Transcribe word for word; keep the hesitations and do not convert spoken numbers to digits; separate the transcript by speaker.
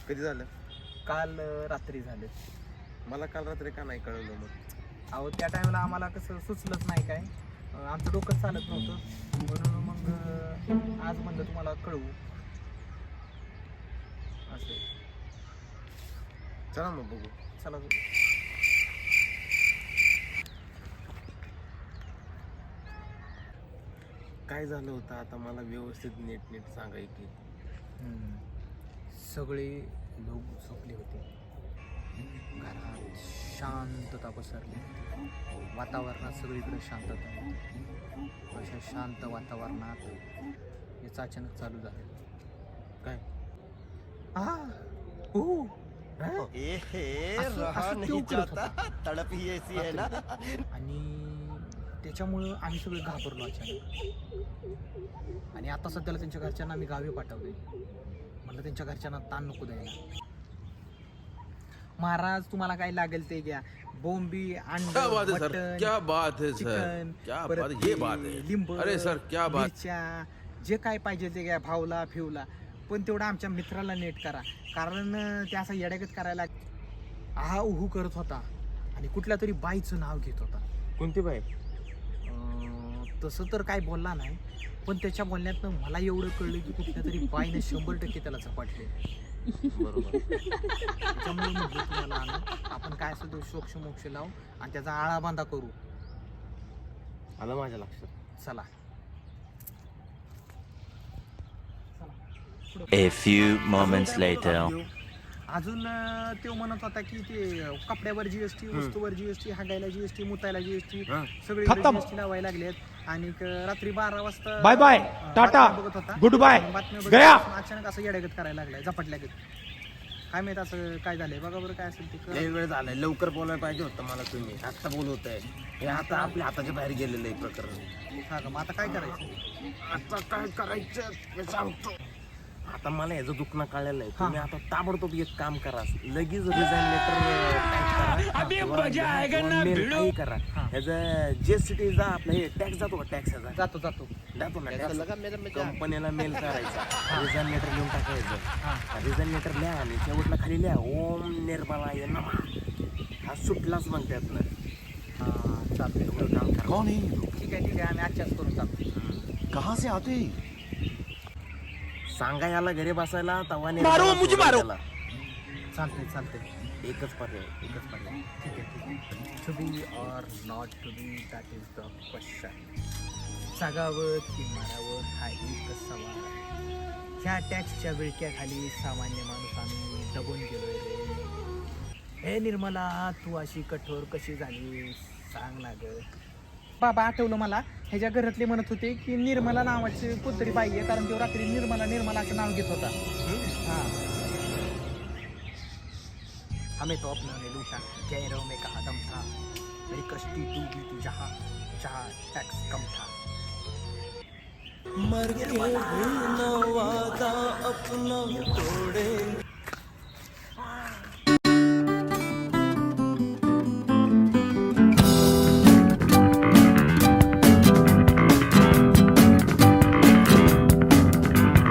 Speaker 1: कधी झालं?
Speaker 2: काल अं, रात्री झाले.
Speaker 1: मला काल रात्री का नाही कळवलं मग?
Speaker 2: अहो त्या टायमाला आम्हाला कसं सुचलंच नाही काय, अं, आमचं डोकं चालत नव्हतं म्हणून मग अं, आज म्हणलं तुम्हाला कळवू असं.
Speaker 1: चला मग बघू.
Speaker 2: चला
Speaker 1: काय झालं होतं आता मला व्यवस्थित नीट नीट सांगाय की.
Speaker 2: हम्म. सगळे लोक झोपले होते. घरात शांतता पसरली होती. वातावरणात सगळीकडे शांतता होती. अशा शांत वातावरणात याचं अचानक चालू झालं.
Speaker 1: काय?
Speaker 2: आ ओ
Speaker 3: ए हे
Speaker 2: असं-
Speaker 3: रहा
Speaker 2: असं
Speaker 3: नहीं
Speaker 2: क्यों करत
Speaker 3: जाता, तड़प ही ऐसी है ना.
Speaker 2: आणि त्याच्यामुळं आम्ही सगळे घाबरलो अचानक. आणि आता सध्याला त्यांच्या घरच्यांना आम्ही गावी पाठवले. म्हटलं त्यांच्या घरच्यांना ताण नको द्यायला. महाराज तुम्हाला काय लागेल ते घ्या. बोंबी, अंड,
Speaker 4: क्या बात है सर,
Speaker 2: मटण,
Speaker 4: क्या बात है सर,
Speaker 2: चिकन,
Speaker 4: क्या
Speaker 2: परत
Speaker 4: बात, ये
Speaker 2: ते
Speaker 4: बात है.
Speaker 2: लिंब,
Speaker 4: अरे सर, क्या बात.
Speaker 2: मिरच्या, जे काय पाहिजे ते घ्या. भावला फिवला, पण तेवढं आमच्या मित्राला नेट करा. कारण अं, ते असं येड्यागत करायला आहा उहू करत होता आणि कुठल्या तरी बाईचं नाव घेत होता.
Speaker 1: कोणती बाई?
Speaker 2: अं, तसं तर काय बोलला नाही, पण त्याच्या बोलण्यातनं मला एवढं कळलं की कुठल्या तरी बाईने शंभर टक्के त्याला झपाटले.
Speaker 1: बरोबर.
Speaker 2: त्याच्यामुळे म्हटलं तुम्हाला आणू. आपण काय असेल तो शोक्ष मोक्ष लावू आणि त्याचा आळा बांधा करू.
Speaker 1: आलं माझ्या लक्षात.
Speaker 2: चला.
Speaker 5: A few moments later.
Speaker 2: अजून अं, तो म्हणत होता की ते कपड्यावर जीएसटी, वस्तूवर जीएसटी, हागायला जीएसटी, मुतायला जीएसटी,
Speaker 1: हा.
Speaker 2: सगळे
Speaker 6: खतम.
Speaker 2: जीएसटी लावायला लागलेत. आणि क- रात्री बारा वाजता
Speaker 6: बाय बाय,
Speaker 2: अं,
Speaker 6: टाटा,
Speaker 2: बातम्या बघत होता.
Speaker 6: गुड बाय,
Speaker 2: बातम्या बघत
Speaker 6: गया.
Speaker 2: असताना अचानक असं येड्यागत करायला लागलाय, झपटल्यागत. काय माहित असं काय झालंय, बघा बरं काय असेल ते करा.
Speaker 1: लय वेळ झालाय, लवकर बोलायला पाहिजे होतं मला तुम्ही. आत्ता बोलवताय. हे आता आपल्या हाताच्या बाहेर गेलेलं आहे प्रकरण.
Speaker 2: हा का, मग आता काय करायचं?
Speaker 1: आता काय करायचं हे सांगतो. आता मला याचं दुखणं कळलेलं आहे. तुम्ही आता ताबडतोब एक काम करा, लगेच रिझाईन लेटर टाईप करा किंवा मेल काही करा. ह्याचं जे सिटीचा आपला हे टॅक्स जातो का, टॅक्स ह्याचा
Speaker 2: जातो जातो
Speaker 1: जातो ना टॅक्स. कंपनीला मेल करायचा, रिझाईन लेटर लिहून टाकायचं. रिझाईन लेटर लिहा आणि शेवटला खाली लिहा ओम निर्मला ये नमः. हा सुटलाच मग त्यातनं.
Speaker 2: हा चालतंय.
Speaker 1: एवढं काम करा.
Speaker 6: कौन है ये लोग?
Speaker 2: ठीक आहे ठीक आहे, आम्ही आजच्याच करून टाकतो.
Speaker 6: कहाँ से आते हैं?
Speaker 1: सांगा याला घरी बसायला तवा
Speaker 6: मारो, मुझे मारो.
Speaker 2: चालतंय चालतंय.
Speaker 1: एकच पर्याय, एकच पर्याय.
Speaker 2: ठीक आहे ठीक आहे. To be or not to be, that is the question. जगावं की मारावं हा एक सवाल. ह्या टॅक्सच्या विळक्याखाली सामान्य माणूस आम्ही दबून गेलोय रे. हे निर्मला, तू अशी कठोर कशी झाली सांग ना ग. बाबा आठवलं मला, ह्याच्या घरातले म्हणत होते की निर्मला नावाची कोणतरी बाई आहे, कारण तो रात्री निर्मला निर्मला असं नाव घेत होता. हाँ, हमें तो अपनों ने लूटा, गैरों में कहा दम था, मेरी कश्ती डूबी थी जहाँ जहाँ टैक्स कम था.
Speaker 3: मर के भी न वादा अपना तोड़ेंगे.